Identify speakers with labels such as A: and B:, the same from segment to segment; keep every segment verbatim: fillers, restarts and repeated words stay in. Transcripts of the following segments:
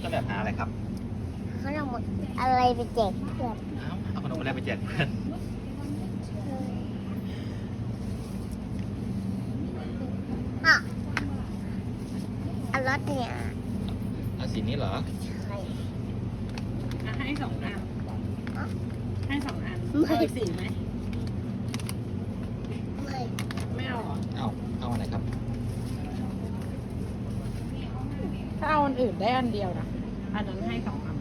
A: ต้นแบบหาอะไรครับ
B: เขาเอาหมดอะไรไปแจกเพื่อน
A: เอ้าเอาขนมอะไรไปแจกเพื่อน
B: อ่ะอันรถเนี่ย
A: เอาสีนี้เหรอ
B: ใช่
C: อ่ะให้สองอันให้สองอัน
B: ไม่
C: เอาอีกสีไหม
B: ไม่
C: ไม่เอาเหรอ
A: เอาเอาอะไรครับ
C: ถ้าเอาอันอื่นได้อันเดียวนะอันนั้นให้สองอัน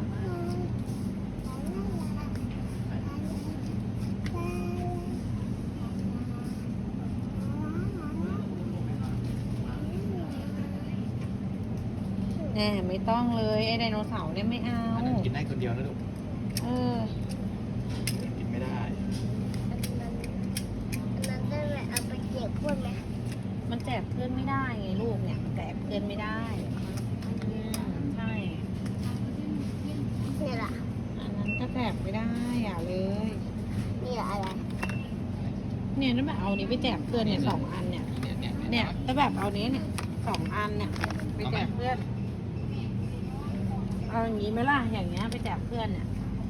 C: แน่ไม่ต้องเลยไอ้ไดโนเสาร์เนี่ยไม่เอา
A: อันนั้นกินได้คนเดียวนะลูก
C: เออ
A: กินไม่ได้
B: อันนั้นอันนั้นได้ไหมเอาไปแจกเพื่อนไหม
C: มันแจกเพื่อนไม่ได้ไงลูกเนี่ยแจกเพื่อนไม่ได้อืมใช่
B: นี่แหละ
C: อันนั้นก็แจกไม่ได้อ่ะเลย
B: นี่แหละอะไร
C: เนี่ยถ้าแบบเอานี้ไปแจกเพื่อนเนี่ยสองอันเนี่ย
A: เนี่ยเนี่ย
C: เนี่ยถ้าแบบเอานี้เนี่ยสองอันเนี่ยไปแจกเพื่อน เอาอย่างนี้ไหมล่ะอย่างเงี้ยไปแจกเพื่อนเนี่ย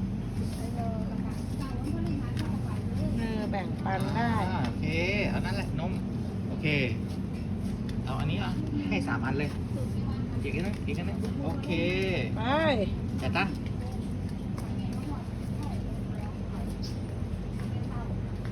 C: เออแบ่งปันได้
A: อ่าโอเคเอานั่นแหละนมโอเคเอาอันนี้อ่ะให้สามอันเลยอีกอันนึงอีกอันนึงโอเค
C: ไป
A: จัดนะ